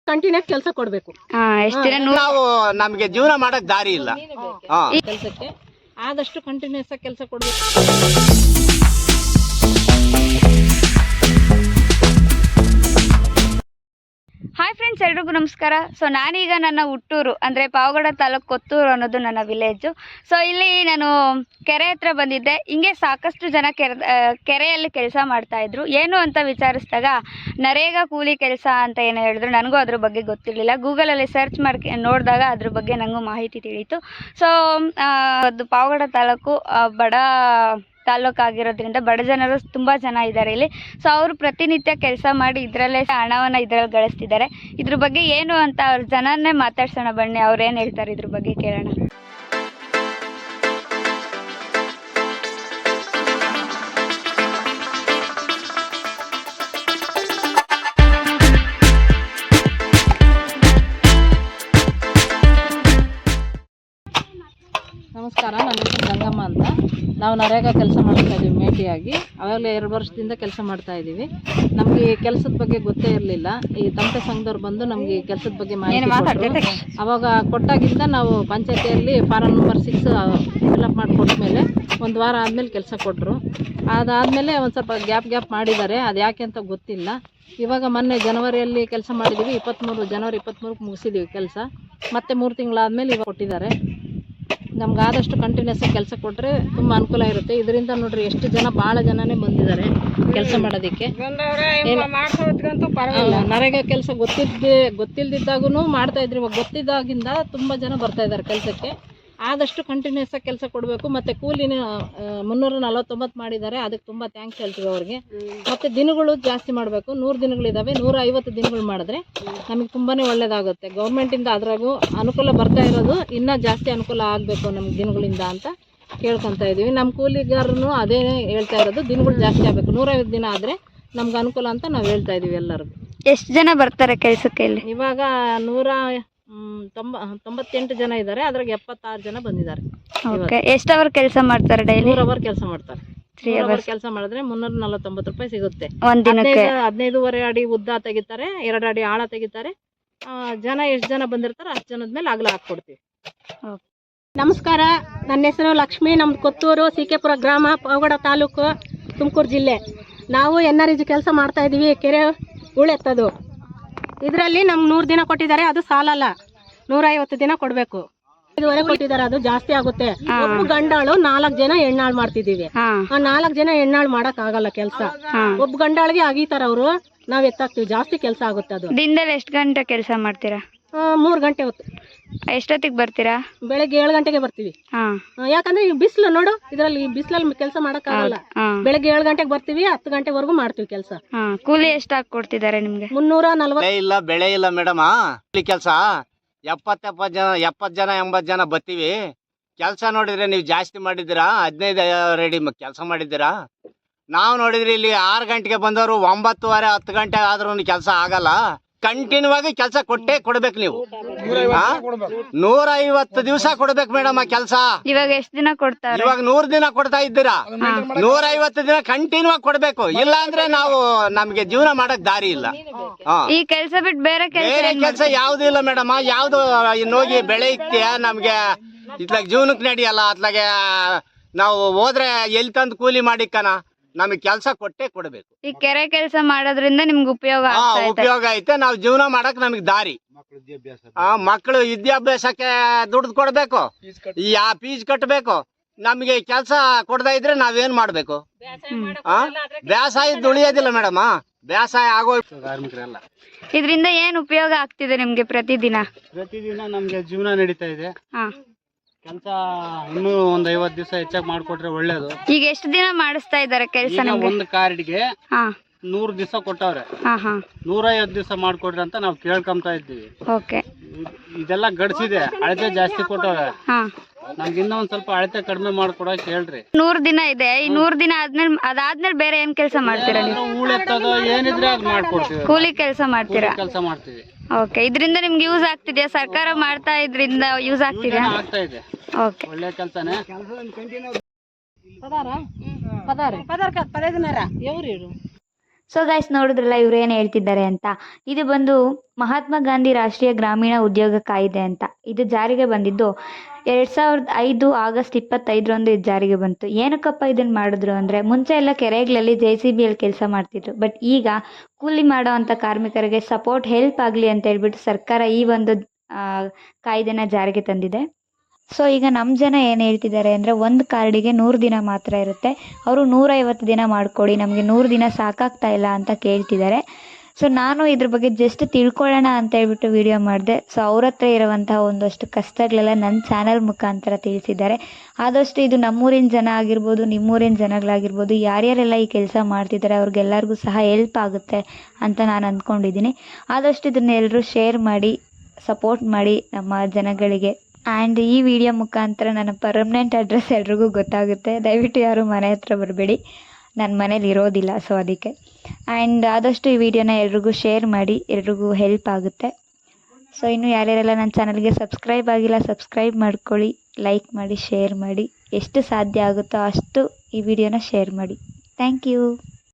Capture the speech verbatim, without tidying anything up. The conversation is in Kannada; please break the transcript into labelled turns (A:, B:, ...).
A: ಕಂಟಿನ್ಯೂಸ್ ಕೆಲಸ ಕೊಡ್ಬೇಕು.
B: ನಾವು ನಮಗೆ ಜೀವನ ಮಾಡಕ್ ದಾರಿ ಇಲ್ಲ.
A: ಕೆಲಸಕ್ಕೆ ಆದಷ್ಟು ಕಂಟಿನ್ಯೂಸ್ ಆಗಿ ಕೆಲಸ ಕೊಡ್ಬೇಕು.
C: ಹಾಯ್ ಫ್ರೆಂಡ್ಸ್, ಎಲ್ರಿಗೂ ನಮಸ್ಕಾರ. ಸೊ ನಾನೀಗ ನನ್ನ ಹುಟ್ಟೂರು ಅಂದರೆ ಪಾವಗಡ ತಾಲೂಕು ಕೊತ್ತೂರು ಅನ್ನೋದು ನನ್ನ ವಿಲೇಜು. ಸೊ ಇಲ್ಲಿ ನಾನು ಕೆರೆ ಹತ್ರ ಬಂದಿದ್ದೆ. ಹಿಂಗೆ ಸಾಕಷ್ಟು ಜನ ಕೆರೆ ಕೆರೆಯಲ್ಲಿ ಕೆಲಸ ಮಾಡ್ತಾಯಿದ್ರು. ಏನು ಅಂತ ವಿಚಾರಿಸಿದಾಗ ನರೇಗಾ ಕೂಲಿ ಕೆಲಸ ಅಂತ ಏನು ಹೇಳಿದ್ರು. ನನಗೂ ಅದ್ರ ಬಗ್ಗೆ ಗೊತ್ತಿರಲಿಲ್ಲ. ಗೂಗಲಲ್ಲಿ ಸರ್ಚ್ ಮಾಡಿ ನೋಡಿದಾಗ ಅದ್ರ ಬಗ್ಗೆ ನನಗೂ ಮಾಹಿತಿ ತಿಳಿಯಿತು. ಸೊ ಅದು ಪಾವಗಡ ತಾಲೂಕು ಬಡ ತಾಲೂಕು ಆಗಿರೋದ್ರಿಂದ ಬಡ ಜನರು ತುಂಬ ಜನ ಇದ್ದಾರೆ ಇಲ್ಲಿ. ಸೊ ಅವರು ಪ್ರತಿನಿತ್ಯ ಕೆಲಸ ಮಾಡಿ ಇದರಲ್ಲೇ ಹಣವನ್ನು ಇದರಲ್ಲಿ ಗಳಿಸ್ತಿದ್ದಾರೆ. ಇದ್ರ ಬಗ್ಗೆ ಏನು ಅಂತ ಅವ್ರ ಜನನ್ನೇ ಮಾತಾಡ್ಸೋಣ ಬನ್ನಿ. ಅವ್ರು ಏನು ಹೇಳ್ತಾರೆ ಇದ್ರ ಬಗ್ಗೆ ಕೇಳೋಣ.
A: ನಮಸ್ಕಾರ, ನನ್ನ ಹೆಸರು ಗಂಗಮ್ಮ ಅಂತ. ನಾವು ನರೇಗಾ ಕೆಲಸ ಮಾಡ್ತಾ ಇದ್ದೀವಿ ಮೇಟಿಯಾಗಿ. ಆವಾಗಲೇ ಎರಡು ವರ್ಷದಿಂದ ಕೆಲಸ ಮಾಡ್ತಾ ಇದ್ದೀವಿ. ನಮಗೆ ಈ ಕೆಲಸದ ಬಗ್ಗೆ ಗೊತ್ತೇ ಇರಲಿಲ್ಲ. ಈ ತಮಟೆ ಸಂಘದವ್ರು ಬಂದು ನಮಗೆ ಈ ಕೆಲಸದ ಬಗ್ಗೆ ಮಾಹಿತಿ ಕೊಟ್ಟರು. ಅವಾಗ ಕೊಟ್ಟಾಗಿಂದ ನಾವು ಪಂಚಾಯತಿಯಲ್ಲಿ ಫಾರಂ ನಂಬರ್ ಸಿಕ್ಸ್ ಫಿಲಪ್ ಮಾಡಿ ಕೊಟ್ಟಮೇಲೆ ಒಂದು ವಾರ ಆದಮೇಲೆ ಕೆಲಸ ಕೊಟ್ಟರು. ಅದಾದಮೇಲೆ ಒಂದು ಸ್ವಲ್ಪ ಗ್ಯಾಪ್ ಗ್ಯಾಪ್ ಮಾಡಿದ್ದಾರೆ. ಅದು ಯಾಕೆ ಅಂತ ಗೊತ್ತಿಲ್ಲ. ಇವಾಗ ಮೊನ್ನೆ ಜನವರಿಯಲ್ಲಿ ಕೆಲಸ ಮಾಡಿದ್ದೀವಿ. ಇಪ್ಪತ್ತ್ಮೂರು ಜನವರಿ ಇಪ್ಪತ್ತ್ಮೂರಕ್ಕೆ ಮುಗಿಸಿದ್ದೀವಿ ಕೆಲಸ. ಮತ್ತೆ ಮೂರು ತಿಂಗಳಾದಮೇಲೆ ಇವಾಗ ಕೊಟ್ಟಿದ್ದಾರೆ. ನಮ್ಗೆ ಆದಷ್ಟು ಕಂಟಿನ್ಯೂಸ್ ಕೆಲಸ ಕೊಟ್ಟರೆ ತುಂಬ ಅನುಕೂಲ ಇರುತ್ತೆ. ಇದರಿಂದ ನೋಡ್ರಿ ಎಷ್ಟು ಜನ, ಭಾಳ ಜನನೇ ಬಂದಿದ್ದಾರೆ ಕೆಲಸ ಮಾಡೋದಕ್ಕೆ. ನರೇಗಾ ಕೆಲಸ ಗೊತ್ತಿದ್ದೆ ಗೊತ್ತಿಲ್ದಿದ್ದಾಗೂ ಮಾಡ್ತಾ ಇದ್ರಿ. ಇವಾಗ ಗೊತ್ತಿದ್ದಾಗಿಂದ ತುಂಬ ಜನ ಬರ್ತಾ ಇದ್ದಾರೆ ಕೆಲಸಕ್ಕೆ. ಆದಷ್ಟು ಕಂಟಿನ್ಯೂಸ್ ಆಗಿ ಕೆಲಸ ಕೊಡಬೇಕು. ಮತ್ತು ಕೂಲಿನ ಮುನ್ನೂರ ನಲ್ವತ್ತೊಂಬತ್ತು ಮಾಡಿದ್ದಾರೆ. ಅದಕ್ಕೆ ತುಂಬ ಥ್ಯಾಂಕ್ಸ್ ಹೇಳ್ತೀವಿ ಅವ್ರಿಗೆ. ಮತ್ತು ದಿನಗಳು ಜಾಸ್ತಿ ಮಾಡಬೇಕು. ನೂರು ದಿನಗಳಿದ್ದಾವೆ. ನೂರ ಐವತ್ತು ದಿನಗಳು ಮಾಡಿದ್ರೆ ನಮಗೆ ತುಂಬಾ ಒಳ್ಳೆಯದಾಗುತ್ತೆ. ಗೌರ್ಮೆಂಟಿಂದ ಅದ್ರಾಗೂ ಅನುಕೂಲ ಬರ್ತಾ ಇರೋದು ಇನ್ನೂ ಜಾಸ್ತಿ ಅನುಕೂಲ ಆಗಬೇಕು ನಮ್ಗೆ ದಿನಗಳಿಂದ ಅಂತ ಕೇಳ್ಕೊತಾ ಇದ್ದೀವಿ. ನಮ್ಮ ಕೂಲಿಗಾರನು ಅದೇ ಹೇಳ್ತಾ ಇರೋದು, ದಿನಗಳು ಜಾಸ್ತಿ ಆಗಬೇಕು. ನೂರೈವತ್ತು ದಿನ ಆದರೆ ನಮ್ಗೆ ಅನುಕೂಲ ಅಂತ ನಾವು ಹೇಳ್ತಾ ಇದ್ದೀವಿ ಎಲ್ಲರಿಗೂ.
C: ಎಷ್ಟು ಜನ ಬರ್ತಾರೆ ಕೆಲಸಕ್ಕೆ ಇಲ್ಲಿ?
A: ಇವಾಗ ನೂರ ತೊಂಬ ತೊಂಬತ್ತೆಂಟು ಜನ ಇದ್ದಾರೆ. ಅದ್ರಾಗ ಎಪ್ಪತ್ತಾರು ಜನ ಬಂದಿದ್ದಾರೆ.
C: ಎಷ್ಟು ಅವರ್ ಕೆಲಸ ಮಾಡ್ತಾರೆ? ಡೈಲಿ
A: ಮೂರ್ ಅವರ್ ಕೆಲಸ ಮಾಡ್ತಾರೆ. ತ್ರೀ ಅವರ್ ಕೆಲಸ ಮಾಡಿದ್ರೆ ಮುನ್ನೂರ ನಲವತ್ತೊಂಬತ್ತು ರೂಪಾಯಿ ಸಿಗುತ್ತೆ. ಹದಿನೈದೂವರೆ ಅಡಿ ಉದ್ದ ತೆಗಿತಾರೆ, ಎರಡು ಅಡಿ ಆಳ ತೆಗಿತಾರೆ. ಜನ ಎಷ್ಟು ಜನ ಬಂದಿರ್ತಾರೆ ಅಷ್ಟು ಜನದ ಮೇಲೆ ಅಗಲ ಹಾಕ್ಕೊಡ್ತೀವಿ. ನಮಸ್ಕಾರ, ನನ್ನ ಹೆಸರು ಲಕ್ಷ್ಮಿ. ನಮ್ದು ಕೊತ್ತೂರು ಸಿಕೆಪುರ ಗ್ರಾಮ, ಪಾವಗಡ ತಾಲೂಕು, ತುಮಕೂರು ಜಿಲ್ಲೆ. ನಾವು ಎನ್ ಆರ್ ಇ ಕೆಲಸ ಮಾಡ್ತಾ ಇದೀವಿ. ಕೆರೆ ಉಳೆತ್ತದು ಇದರಲ್ಲಿ ನಮ್ಗೆ ನೂರು ದಿನ ಕೊಟ್ಟಿದ್ದಾರೆ. ಅದು ಸಾಲಲ್ಲ, ನೂರ ಐವತ್ತು ದಿನ ಕೊಡ್ಬೇಕು. ಇದುವರೆ ಕೊಟ್ಟಿದ್ದಾರೆ, ಅದು ಜಾಸ್ತಿ ಆಗುತ್ತೆ. ಒಬ್ಬ ಗಂಡಾಳು ನಾಲ್ಕು ಜನ ಹೆಣ್ಣಾಳು ಮಾಡ್ತಿದೀವಿ. ಆ ನಾಲ್ಕು ಜನ ಹೆಣ್ಣಾಳು ಮಾಡಕ್ ಆಗಲ್ಲ ಕೆಲಸ. ಒಬ್ಬ ಗಂಡಾಳಿಗೆ ಆಗೀತಾರ ಅವರು, ನಾವ್ ಎತ್ತಾಕ್ತಿವಿ. ಜಾಸ್ತಿ ಕೆಲಸ ಆಗುತ್ತೆ. ಅದು
C: ದಿನದಲ್ಲಿ ಎಷ್ಟು ಗಂಟೆ ಕೆಲಸ ಮಾಡ್ತೀರಾ?
A: ಮೂರ್ ಗಂಟೆ ಹೊತ್ತು.
C: ಎಷ್ಟೊತ್ತಿಗೆ ಬರ್ತೀರಾ?
A: ಬೆಳಗ್ಗೆ ಏಳು ಗಂಟೆಗೆ ಬರ್ತೀವಿ. ಯಾಕಂದ್ರೆ ಈ ಬಿಸಿಲು ನೋಡು, ಇದ್ರಲ್ಲಿ ಬಿಸಿಲಲ್ಲಿ ಕೆಲಸ ಮಾಡಕ್ ಆಗಲ್ಲ. ಬೆಳಗ್ಗೆ ಏಳು ಗಂಟೆಗೆ ಬರ್ತೀವಿ, ಹತ್ತು ಗಂಟೆವರೆಗೂ ಮಾಡ್ತೀವಿ ಕೆಲಸ.
C: ಕೂಲಿ ಎಷ್ಟು ಹಾಕಿ ಕೊಡ್ತಿದ್ದಾರೆ ನಿಮ್ಗೆ?
A: ಮುನ್ನೂರ ನಲ್ವತ್ತು.
B: ಇಲ್ಲ ಬೆಳೆ ಇಲ್ಲ ಮೇಡಮ್. ಕೆಲಸ ಎಪ್ಪತ್ತ ಎಪ್ಪತ್ತು ಜನ ಎಪ್ಪತ್ತು ಜನ ಎಂಬತ್ತು ಜನ ಬರ್ತೀವಿ. ಕೆಲಸ ನೋಡಿದ್ರೆ ನೀವು ಜಾಸ್ತಿ ಮಾಡಿದ್ದೀರಾ. ಹದಿನೈದು ರೆಡಿ ಕೆಲಸ ಮಾಡಿದ್ದೀರಾ. ನಾವು ನೋಡಿದ್ರಿ ಇಲ್ಲಿ ಆರು ಗಂಟೆಗೆ ಬಂದವರು ಒಂಬತ್ತುವರೆ ಹತ್ತು ಗಂಟೆ ಆದ್ರೂ ಕೆಲಸ ಆಗಲ್ಲ. ಕಂಟಿನ್ಯೂ ಆಗಿ ಕೆಲಸ ಕೊಟ್ಟೆ ಕೊಡ್ಬೇಕು ನೀವು. ನೂರ ಐವತ್ತು ದಿವಸ ಕೊಡ್ಬೇಕು ಮೇಡಮ್ ಆ ಕೆಲಸ.
C: ಇವಾಗ ಎಷ್ಟು ದಿನ ಕೊಡ್ತಾರೆ?
B: ಇವಾಗ ನೂರ್ ದಿನ ಕೊಡ್ತಾ ಇದ್ದೀರಾ. ನೂರ ಐವತ್ತು ದಿನ ಕಂಟಿನ್ಯೂ ಆಗಿ ಕೊಡ್ಬೇಕು. ಇಲ್ಲ ಅಂದ್ರೆ ನಾವು ನಮ್ಗೆ ಜೀವನ ಮಾಡಕ್ ದಾರಿ ಇಲ್ಲ.
C: ಈ ಕೆಲಸ ಬಿಟ್ಟು ಬೇರೆ
B: ಬೇರೆ ಕೆಲಸ ಯಾವ್ದು ಇಲ್ಲ ಮೇಡಮ್. ಯಾವ್ದು ಇನ್ನೋಗಿ ಬೆಳೆ ಇಕ್ತಿಯ ನಮ್ಗೆ ಇತ್ಲಾಗ ಜೀವನಕ್ಕೆ ನಡೆಯಲ್ಲ. ಅತ್ಲಾಗೆ ನಾವು ಹೋದ್ರೆ ಎಲ್ಲಿ ತಂದು ಕೂಲಿ ಮಾಡಿಕ್ಕನ, ನಮಗೆ ಕೆಲಸ ಕೊಟ್ಟೆ ಕೊಡ್ಬೇಕು.
C: ಈ ಕೆರೆ ಕೆಲಸ ಮಾಡೋದ್ರಿಂದ ನಿಮ್ಗೆ ಉಪಯೋಗ
B: ಉಪಯೋಗ ಐತೆ. ನಾವು ಜೀವನ ಮಾಡಕ್ ನಮಗ್ ದಾರಿ. ಮಕ್ಕಳು ವಿದ್ಯಾಭ್ಯಾಸಕ್ಕೆ ದುಡ್ಡು ಕೊಡ್ಬೇಕು, ಯಾ ಫೀಸ್ ಕಟ್ಟಬೇಕು. ನಮ್ಗೆ ಕೆಲಸ ಕೊಡದ ಇದ್ರೆ ನಾವೇನ್ ಮಾಡ್ಬೇಕು? ಬೇಸಾಯ ಉಳಿಯೋದಿಲ್ಲ ಮೇಡಮ್. ಬೇಸಾಯ ಆಗೋ ಕಾರ್ಮಿಕರೆಲ್ಲ.
C: ಇದರಿಂದ ಏನ್ ಉಪಯೋಗ ಆಗ್ತಿದೆ ನಿಮ್ಗೆ ಪ್ರತಿದಿನ?
D: ಪ್ರತಿದಿನ ನಮ್ಗೆ ಜೀವನ ನಡೀತಾ ಇದೆ. ಕೆಲಸ ಇನ್ನೂ ಒಂದ್ ಐವತ್ ದಿವಸ ಹೆಚ್ಚಾಗಿ ಮಾಡ್ಕೊಟ್ರೆ ಒಳ್ಳೇದು.
C: ಈಗ ಎಷ್ಟು ದಿನ ಮಾಡಿಸ್ತಾ ಇದಾರೆ ಕೆಲಸ?
D: ಒಂದು ಕಾರ್ಡ್ಗೆ ನೂರ್ ದಿವಸ ಕೊಟ್ಟವ್ರೆ. ನೂರ ಐವತ್ತು ದಿವಸ ಮಾಡ್ಕೊಡ್ರಿ ಅಂತ ನಾವು ಕೇಳ್ಕೊಂತ ಇದ್ದೀವಿ. ಇದೆಲ್ಲ ಗಡ್ಸಿದೆ, ಅಳತೆ ಜಾಸ್ತಿ ಕೊಟ್ಟವ್ರೆ. ನಮ್ಗೆ ಇನ್ನೂ ಒಂದ್ ಸ್ವಲ್ಪ ಅಳತೆ ಕಡಿಮೆ ಮಾಡ್ಕೊಡಕ್ ಹೇಳ್ರಿ.
C: ನೂರ್ ದಿನ ಇದೆ. ಈ ನೂರ್ ದಿನ ಆದ್ಮೇಲೆ ಅದಾದ್ಮೇಲೆ ಬೇರೆ ಏನ್ ಕೆಲಸ ಮಾಡ್ತೀರಾ ನೀವು?
D: ಹೂಳೆತ್ತೋದು ಏನಿದ್ರೆ ಅದ್ ಮಾಡ್ಕೊಡ್ತೀವಿ.
C: ಕೂಲಿ ಕೆಲಸ ಮಾಡ್ತೀರಾ?
D: ಕೆಲಸ ಮಾಡ್ತೀವಿ.
C: ಓಕೆ, ಇದರಿಂದ ನಿಮ್ಗೆ ಯೂಸ್ ಆಗ್ತಿದ್ಯಾ? ಸರ್ಕಾರ ಮಾಡ್ತಾ ಇದ್ರಿಂದ ಯೂಸ್ ಆಗ್ತಿದ್ಯಾ?
D: ಆಗ್ತಾ ಇದೆ.
C: ಓಕೆ,
D: ಒಳ್ಳೆ ಕೆಲಸನೇ.
C: ಸೊ ಗೈಸ್ ನೋಡಿದ್ರಲ್ಲ ಇವ್ರು ಏನು ಹೇಳ್ತಿದ್ದಾರೆ ಅಂತ. ಇದು ಬಂದು ಮಹಾತ್ಮ ಗಾಂಧಿ ರಾಷ್ಟ್ರೀಯ ಗ್ರಾಮೀಣ ಉದ್ಯೋಗ ಕಾಯ್ದೆ ಅಂತ. ಇದು ಜಾರಿಗೆ ಬಂದಿದ್ದು ಎರಡು ಸಾವಿರದ ಐದು ಆಗಸ್ಟ್ ಇಪ್ಪತ್ತೈದರಂದು ಇದು ಜಾರಿಗೆ ಬಂತು. ಏನಕ್ಕಪ್ಪ ಇದನ್ನು ಮಾಡಿದ್ರು ಅಂದರೆ, ಮುಂಚೆ ಎಲ್ಲ ಕೆರೆಗಳಲ್ಲಿ ಜೆ ಸಿ ಬಿಯಲ್ಲಿ ಕೆಲಸ ಮಾಡ್ತಿದ್ರು. ಬಟ್ ಈಗ ಕೂಲಿ ಮಾಡೋ ಅಂಥ ಕಾರ್ಮಿಕರಿಗೆ ಸಪೋರ್ಟ್ ಹೆಲ್ಪ್ ಆಗಲಿ ಅಂತ ಹೇಳ್ಬಿಟ್ಟು ಸರ್ಕಾರ ಈ ಒಂದು ಕಾಯ್ದೆನ ಜಾರಿಗೆ ತಂದಿದೆ. ಸೊ ಈಗ ನಮ್ಮ ಜನ ಏನು ಹೇಳ್ತಿದ್ದಾರೆ ಅಂದರೆ, ಒಂದು ಕಾರ್ಡಿಗೆ ನೂರು ದಿನ ಮಾತ್ರ ಇರುತ್ತೆ, ಅವರು ನೂರೈವತ್ತು ದಿನ ಮಾಡಿಕೊಡಿ, ನಮಗೆ ನೂರು ದಿನ ಸಾಕಾಗ್ತಾ ಇಲ್ಲ ಅಂತ ಕೇಳ್ತಿದ್ದಾರೆ. ಸೊ ನಾನು ಇದ್ರ ಬಗ್ಗೆ ಜಸ್ಟ್ ತಿಳ್ಕೊಳ್ಳೋಣ ಅಂತ ಹೇಳ್ಬಿಟ್ಟು ವಿಡಿಯೋ ಮಾಡಿದೆ. ಸೊ ಅವ್ರ ಹತ್ರ ಇರುವಂತಹ ಒಂದಷ್ಟು ಕಷ್ಟಗಳೆಲ್ಲ ನನ್ನ ಚಾನಲ್ ಮುಖಾಂತರ ತಿಳಿಸಿದ್ದಾರೆ. ಆದಷ್ಟು ಇದು ನಮ್ಮೂರಿನ ಜನ ಆಗಿರ್ಬೋದು, ನಿಮ್ಮೂರಿನ ಜನಗಳಾಗಿರ್ಬೋದು, ಯಾರ್ಯಾರೆಲ್ಲ ಈ ಕೆಲಸ ಮಾಡ್ತಿದ್ದಾರೆ ಅವ್ರಿಗೆಲ್ಲರಿಗೂ ಸಹ ಹೆಲ್ಪ್ ಆಗುತ್ತೆ ಅಂತ ನಾನು ಅಂದ್ಕೊಂಡಿದ್ದೀನಿ. ಆದಷ್ಟು ಇದನ್ನ ಎಲ್ಲರೂ ಶೇರ್ ಮಾಡಿ ಸಪೋರ್ಟ್ ಮಾಡಿ ನಮ್ಮ ಜನಗಳಿಗೆ. ಆ್ಯಂಡ್ ಈ ವಿಡಿಯೋ ಮುಖಾಂತರ ನನ್ನ ಪರ್ಮನೆಂಟ್ ಅಡ್ರೆಸ್ ಎಲ್ರಿಗೂ ಗೊತ್ತಾಗುತ್ತೆ. ದಯವಿಟ್ಟು ಯಾರು ಮನೆ ಹತ್ರ ಬರಬೇಡಿ, ನನ್ನ ಮನೇಲಿ ಇರೋದಿಲ್ಲ. ಸೊ ಅದಕ್ಕೆ ಆ್ಯಂಡ್ ಆದಷ್ಟು ಈ ವಿಡಿಯೋನ ಎಲ್ರಿಗೂ ಶೇರ್ ಮಾಡಿ, ಎಲ್ರಿಗೂ ಹೆಲ್ಪ್ ಆಗುತ್ತೆ. ಸೊ ಇನ್ನು ಯಾರ್ಯಾರೆಲ್ಲ ನನ್ನ ಚಾನಲ್ಗೆ ಸಬ್ಸ್ಕ್ರೈಬ್ ಆಗಿಲ್ಲ ಸಬ್ಸ್ಕ್ರೈಬ್ ಮಾಡ್ಕೊಳ್ಳಿ, ಲೈಕ್ ಮಾಡಿ, ಶೇರ್ ಮಾಡಿ, ಎಷ್ಟು ಸಾಧ್ಯ ಆಗುತ್ತೋ ಅಷ್ಟು ಈ ವಿಡಿಯೋನ ಶೇರ್ ಮಾಡಿ. Thank you.